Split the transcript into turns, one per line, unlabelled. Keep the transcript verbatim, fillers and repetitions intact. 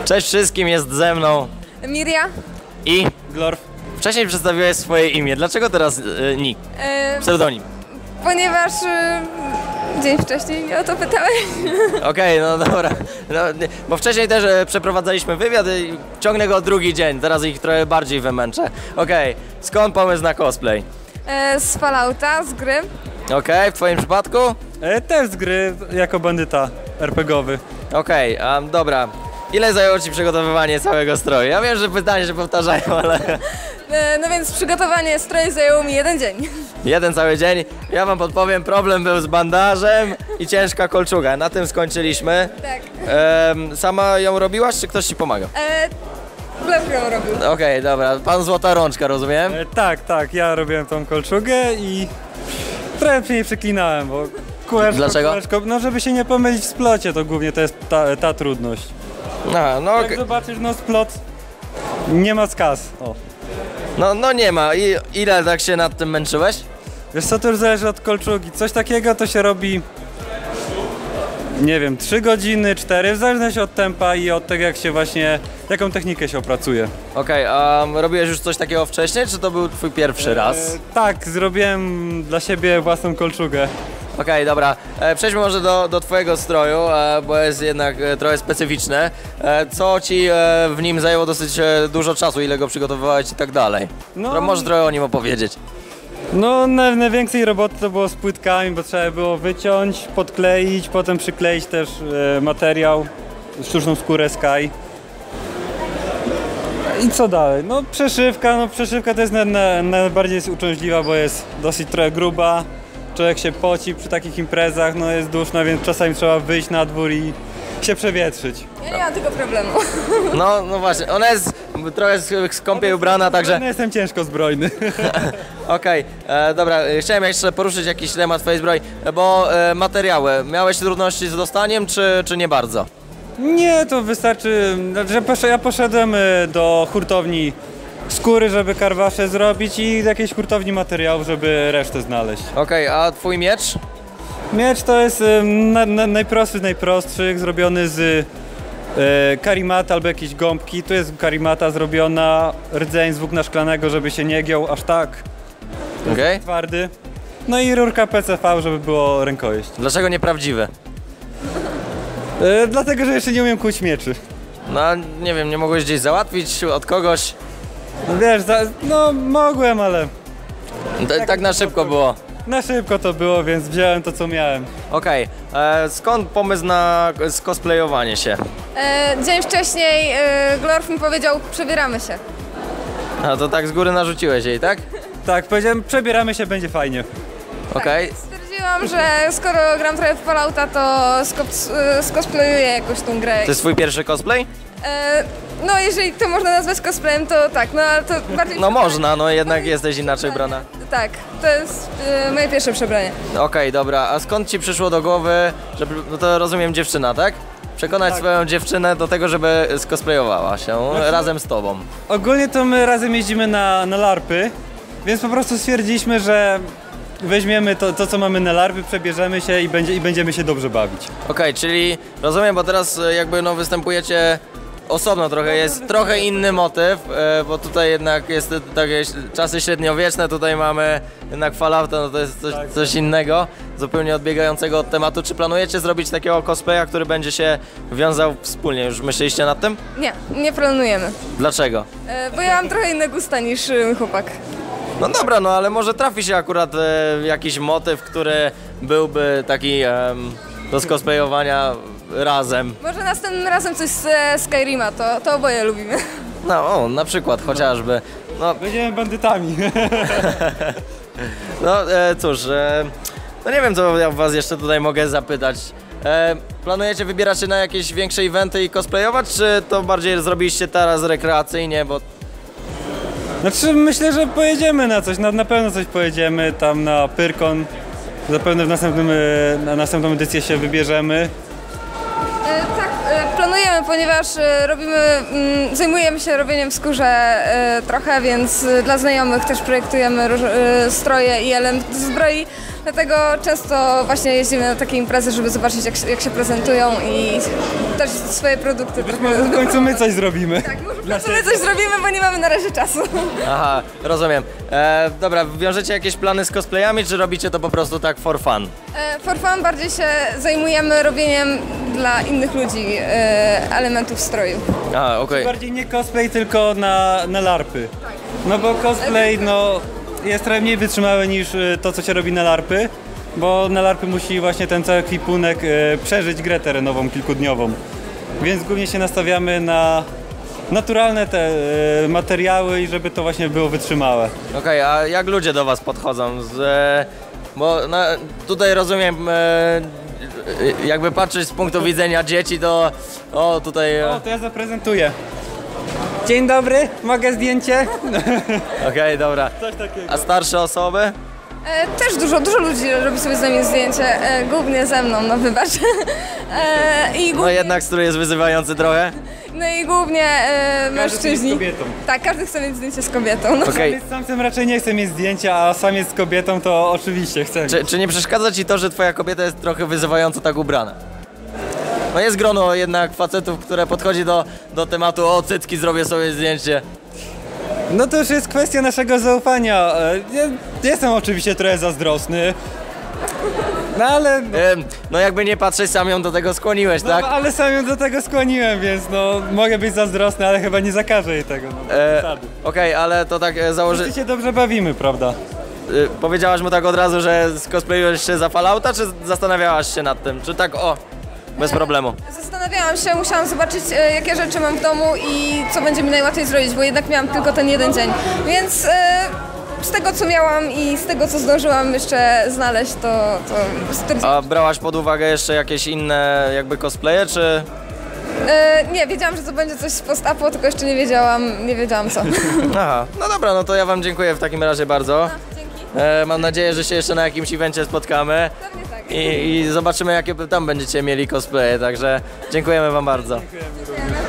Cześć wszystkim, jest ze mną
Miria
i
Glorf.
Wcześniej przedstawiłeś swoje imię, dlaczego teraz y, nick,
e,
pseudonim?
Ponieważ e, dzień wcześniej mnie o to pytałeś.
Okej, okay, no dobra, no, nie, bo wcześniej też e, przeprowadzaliśmy wywiad i ciągnę go drugi dzień, teraz ich trochę bardziej wymęczę. Okej, okay. Skąd pomysł na cosplay?
E, z Fallouta, z gry.
Okej, okay. W twoim przypadku?
E, też z gry jako bandyta er pe gie owy.
Okej, okay. um, dobra. Ile zajęło ci przygotowywanie całego stroju? Ja wiem, że pytania się powtarzają, ale...
E, no więc przygotowanie stroju zajęło mi jeden dzień.
Jeden cały dzień. Ja wam podpowiem, problem był z bandażem i ciężka kolczuga. Na tym skończyliśmy.
Tak.
Ehm, sama ją robiłaś, czy ktoś ci pomagał?
E, Glorf ją robił.
Okej, okay, dobra. Pan Złota Rączka, rozumiem?
E, tak, tak, ja robiłem tą kolczugę i trochę przy niej przeklinałem, bo kółeczko,
Dlaczego?
kółeczko, no żeby się nie pomylić w splocie, to głównie to jest ta, ta trudność.
A, no,
Jak
okay.
zobaczysz, no splot nie ma skaz. O.
no, no nie ma. I ile tak się nad tym męczyłeś?
Wiesz co, to już zależy od kolczugi. Coś takiego to się robi, nie wiem, trzy godziny, cztery, w zależności od tempa i od tego, jak się właśnie, jaką technikę się opracuje.
Okej, okay, a robiłeś już coś takiego wcześniej, czy to był twój pierwszy raz?
E, tak, zrobiłem dla siebie własną kolczugę.
Okej, okay, dobra. E, przejdźmy może do, do twojego stroju, e, bo jest jednak e, trochę specyficzny. E, co ci e, w nim zajęło dosyć e, dużo czasu, ile go przygotowywałeś i tak dalej?
No,
Może trochę o nim opowiedzieć.
No, na, największej roboty to było z płytkami, bo trzeba było wyciąć, podkleić, potem przykleić też e, materiał, sztuczną skórę Sky. I co dalej? No przeszywka, no przeszywka to jest na, na, najbardziej jest uciążliwa, bo jest dosyć trochę gruba. Człowiek się poci przy takich imprezach, no jest duszno, więc czasami trzeba wyjść na dwór i się przewietrzyć.
Ja nie mam tego problemu.
No, no właśnie, ona jest trochę skąpiej ubrana, także...
No jestem ciężko zbrojny.
Okej, okay, dobra, chciałem jeszcze poruszyć jakiś temat twojej zbroi, bo e, materiały, miałeś trudności z dostaniem, czy, czy nie bardzo?
Nie, to wystarczy, że ja poszedłem do hurtowni skóry, żeby karwasze zrobić i jakiejś hurtowni materiałów, żeby resztę znaleźć.
Okej, okay, a twój miecz?
Miecz to jest na, na, najprostszy z najprostszych, zrobiony z e, karimata albo jakiejś gąbki. Tu jest karimata zrobiona, rdzeń z włókna szklanego, żeby się nie giął aż tak
okay.
twardy. No i rurka pe ce ve, żeby było rękojeść.
Dlaczego nieprawdziwe?
E, dlatego, że jeszcze nie umiem kuć mieczy.
No nie wiem, nie mogłeś gdzieś załatwić od kogoś?
No wiesz, za, no mogłem, ale...
D tak na szybko było.
Na szybko to było, więc wziąłem to, co miałem.
Okej, okay. Skąd pomysł na cosplayowanie się?
E, dzień wcześniej e, Glorf mi powiedział, przebieramy się.
A to tak z góry narzuciłeś jej, tak?
Tak, powiedziałem, przebieramy się, będzie fajnie.
Okej.
Tak, stwierdziłam, że skoro gram trochę w Fallouta, to skos skosplayuję jakoś tą grę.
To jest twój pierwszy cosplay?
E, no jeżeli to można nazwać cosplayem, to tak, no ale to bardziej...
No można, no jednak jesteś inaczej brana.
Tak, to jest e, moje pierwsze przebranie.
Okej, okay, dobra, a skąd ci przyszło do głowy, żeby, no to rozumiem dziewczyna, tak? Przekonać tak. swoją dziewczynę do tego, żeby skosplayowała się znaczy, razem z tobą.
Ogólnie to my razem jeździmy na, na larpy, więc po prostu stwierdziliśmy, że weźmiemy to, to co mamy na larpy, przebierzemy się i, będzie, i będziemy się dobrze bawić.
Okej, okay, czyli rozumiem, bo teraz jakby no występujecie osobno trochę, jest trochę inny motyw, bo tutaj jednak jest takie czasy średniowieczne, tutaj mamy jednak Fallouta, no to jest coś, coś innego, zupełnie odbiegającego od tematu. Czy planujecie zrobić takiego cosplaya, który będzie się wiązał wspólnie? Już myśleliście nad tym?
Nie, nie planujemy.
Dlaczego?
E, bo ja mam trochę inne gusta niż mój chłopak.
No dobra, no ale może trafi się akurat e, jakiś motyw, który byłby taki e, do skosplayowania razem.
Może następnym razem coś z e, Skyrima, to, to oboje lubimy.
No, o, na przykład, chociażby. No,
będziemy bandytami.
No e, cóż, e, no nie wiem, co ja was jeszcze tutaj mogę zapytać. E, planujecie wybierać się na jakieś większe eventy i cosplayować, czy to bardziej zrobiliście teraz rekreacyjnie, bo...
Znaczy myślę, że pojedziemy na coś, na, na pewno coś pojedziemy tam na Pyrkon. Zapewne w następnym, na następną edycję się wybierzemy.
E, tak, e, planujemy, ponieważ e, robimy, mm, zajmujemy się robieniem w skórze e, trochę, więc e, dla znajomych też projektujemy róż, e, stroje i elementy zbroi. Dlatego często właśnie jeździmy na takie imprezy, żeby zobaczyć jak, się- jak się prezentują i też swoje produkty trochę...
W końcu my coś zrobimy.
Tak, może w końcu my coś zrobimy, bo nie mamy na razie czasu.
Aha, rozumiem. E, dobra, wiążecie jakieś plany z cosplayami, czy robicie to po prostu tak for fun?
E, For fun bardziej się zajmujemy robieniem dla innych ludzi e, elementów stroju.
Aha, okej.
Bardziej nie cosplay, tylko na, na larpy. No bo cosplay no, jest trochę mniej wytrzymały niż y, to, co się robi na larpy, bo na larpy musi właśnie ten cały ekwipunek y, przeżyć grę terenową kilkudniową. Więc głównie się nastawiamy na naturalne te y, materiały i żeby to właśnie było wytrzymałe.
Okej, a jak ludzie do was podchodzą? Z, e, bo no, tutaj rozumiem, e, jakby patrzeć z punktu widzenia dzieci, to o tutaj...
O,
e,
to ja zaprezentuję. Dzień dobry, mogę zdjęcie?
Okej, dobra.
Coś takiego.
A starsze osoby?
E, Też dużo, dużo ludzi robi sobie z nami zdjęcie, e, głównie ze mną, no wybacz. E, I
No
głównie,
jednak strój jest wyzywający trochę.
no i głównie e,
Każdy chce mieć z
mężczyźni.
kobietą.
Tak, każdy chce mieć zdjęcie z kobietą. No.
Okej.
Sam z samcem raczej nie chce mieć zdjęcia, a sam jest z kobietą, to oczywiście chce.
Czy, czy nie przeszkadza ci to, że twoja kobieta jest trochę wyzywająco tak ubrana? No jest grono jednak facetów, które podchodzi do, do tematu o cycki, zrobię sobie zdjęcie.
No to już jest kwestia naszego zaufania. E, Ja jestem oczywiście trochę zazdrosny. No ale, no,
Em, No jakby nie patrzeć, sam ją do tego skłoniłeś,
no,
tak?
ale sam ją do tego skłoniłem, więc no mogę być zazdrosny, ale chyba nie zakażę jej tego. No,
E,
zasady.
Okej, ale to tak e, założy...
Wszyscy się dobrze bawimy, prawda?
Y, powiedziałaś mu tak od razu, że skosplayujesz się za Fallouta, czy zastanawiałaś się nad tym? Czy tak o, bez problemu?
Zastanawiałam się, musiałam zobaczyć e, jakie rzeczy mam w domu i co będzie mi najłatwiej zrobić, bo jednak miałam tylko ten jeden dzień. Więc e, z tego co miałam i z tego co zdążyłam jeszcze znaleźć, to, to stwierdziłam.
A brałaś pod uwagę jeszcze jakieś inne jakby cosplaye, czy...
E, nie, wiedziałam, że to będzie coś z post-apo, tylko jeszcze nie wiedziałam, nie wiedziałam co.
Aha, no dobra, no to ja wam dziękuję w takim razie bardzo.
Dzięki.
E, mam nadzieję, że się jeszcze na jakimś evencie spotkamy
Pewnie tak.
i, i zobaczymy jakie tam będziecie mieli cosplaye, także dziękujemy wam bardzo.
Dziękujemy.